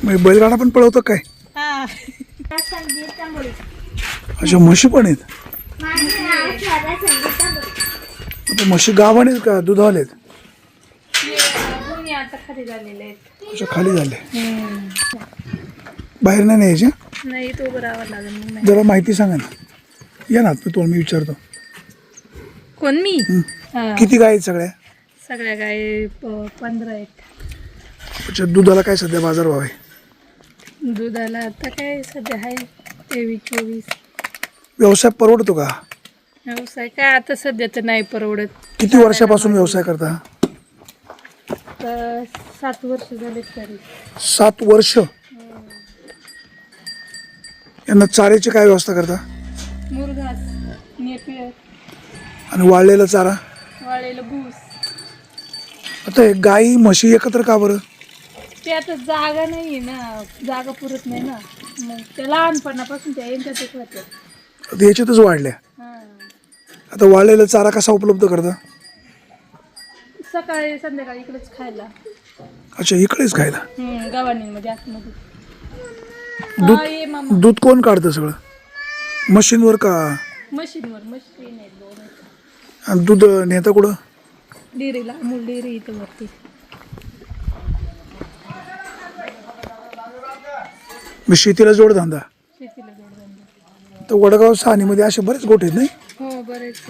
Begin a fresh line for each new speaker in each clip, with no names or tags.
मग बैलगाडा पण पळवतो काय?
हा.
अच्छा, म्हशी पण आहेत. आता म्हशी गाभण आहेत का दुधावाले आहेत?
दोन्ही आता खाली झालेले आहेत.
अच्छा, खाली झाले. बाहेर नाही न्यायचे?
नाही तो बरावा लागेल मग नाही.
जरा माहिती सांगा ना. या ना तुम्हाला मी विचारतो.
कोण मी? हा.
किती गाय आहेत सगळ्या?
सगळ्या गाय 15 आहेत.
अच्छा, दुधाला काय सध्या बाजारभाव आहे?
दुधाला आता काय सध्या आहे 23-24.
व्यवसाय परवडतो का?
व्यवसाय काय आता सध्या तर नाही परवडत.
किती वर्षापासून व्यवसाय करता?
तर 7 वर्ष झालेत तरी.
7 वर्ष. यांना चाऱ्याची काय व्यवस्था करता?
मुरघास, नेपियर,
आणि वाळलेला चारा?
वाळलेलं भूस.
आता हे गाई म्हशी एकत्र का बरं?
ते आता जागा नाही आहे ना, जागा पुरत नाही ना, मग ते लहानपणापासून त्या यांच्यातच होत्या.
आता याच्यातच वाढल्या. आता वाळलेला चारा कसा उपलब्ध करता?
सकाळी संध्याकाळी इकडेच खायला.
अच्छा, इकडेच खायला.
गव्हाणीमध्ये आतमध्ये.
दूध कोण काढतं सगळं? मशीनवर का?
मशीनवर. मशीन आहे 2.
आणि दूध नेता कुठं?
डेअरीला, अमूल डेअरी इथं वरती.
मी शेतीला जोडधंदा.
शेतीला जोडधंदा.
तर वडगाव सानीमध्ये असे बरेच गोठे आहेत नाही?
हो, बरेच.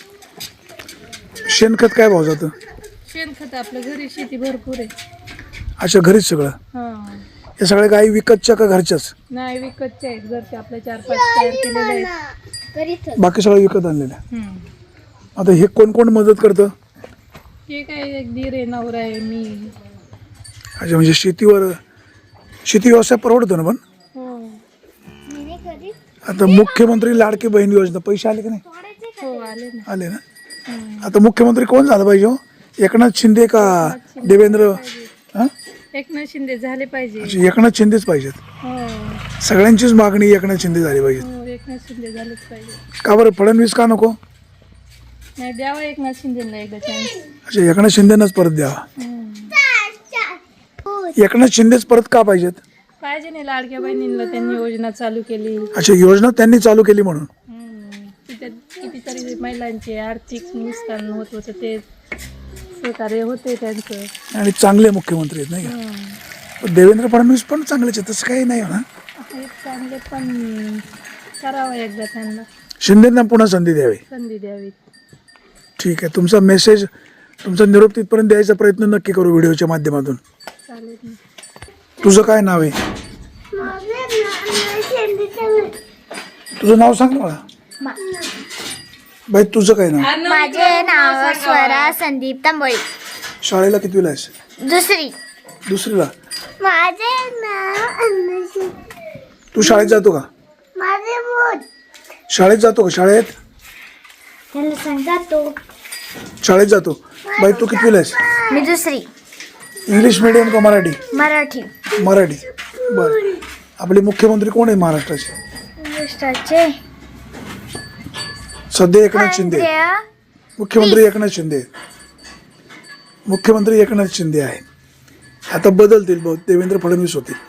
शेणखत काय भाव जातं?
शेणखत आपल्या घरी शेती भरपूर आहे.
अच्छा, घरीच सगळं.
हा.
या सगळ्या गाई विकतच्या का घरच्याच?
नाही, विकतचे आहेत. घरचे आपल्या 4-5 तयार केलेले आहेत.
बाकी सगळं विकत आणलेलं. आता हे कोण कोण मदत करतं?
हे काय एक दीर आहे, नवरा आहे, मी.
अच्छा, म्हणजे शेती व्यवसाय परवडतो ना पण?
हो.
आता मुख्यमंत्री लाडकी बहीण योजना पैसे आले की नाही?
हो, आले ना.
आले ना. आता मुख्यमंत्री कोण झालं पाहिजे हो? एकनाथ शिंदे का देवेंद्र?
एकनाथ शिंदे झाले पाहिजे.
अच्छा, एकनाथ शिंदेच पाहिजेत.
हो.
सगळ्यांचीच मागणी एकनाथ शिंदे झाली पाहिजे.
हो, एकनाथ शिंदे झालेच पाहिजे.
का बरं फडणवीस का नको?
नाही, द्यावा एकनाथ शिंदेला एकदा चान्स.
अच्छा, एकनाथ शिंदेनंच परत द्यावा. एकनाथ शिंदेच परत का पाहिजेत?
पाहिजे नाही, लाडक्या बहिणींना त्यांनी योजना चालू केली.
अच्छा, योजना त्यांनी चालू केली म्हणून.
तिथे कितीतरी महिलांचे आर्थिक नुकसान होत होतं, ते सहकार्य होते त्यांचं.
आणि चांगले मुख्यमंत्री आहेत नाही का? देवेंद्र फडणवीस पण चांगलेच आहेत, तसं काही नाही ना.
चांगले पण करावं एकदा त्यांना.
शिंदेंना पुन्हा संधी
द्यावी.
ठीक आहे, तुमचा मेसेज, तुमचा निरोप तिथपर्यंत द्यायचा प्रयत्न नक्की करू व्हिडिओच्या माध्यमातून.
चालेल.
तुझं काय नाव आहे? तुझं नाव सांग मला. बाई, तुझं काय नाव?
माझे नाव स्वरा संदीप तांबोळी.
शाळेला कितवीला आहेस? दुसरीला.
माझे नाव
तू शाळेत जातो का? शाळेत जातो का? शाळेत शाळेत जातो. बाई, तू कितवीला आहेस?
मी दुसरी.
इंग्लिश मीडियम का मराठी?
मराठी.
बरं. आपले मुख्यमंत्री कोण आहे महाराष्ट्राचे?
महाराष्ट्राचे
सध्या एकनाथ शिंदे. मुख्यमंत्री एकनाथ शिंदे आहे. आता बदलतील बहुत, देवेंद्र फडणवीस होते.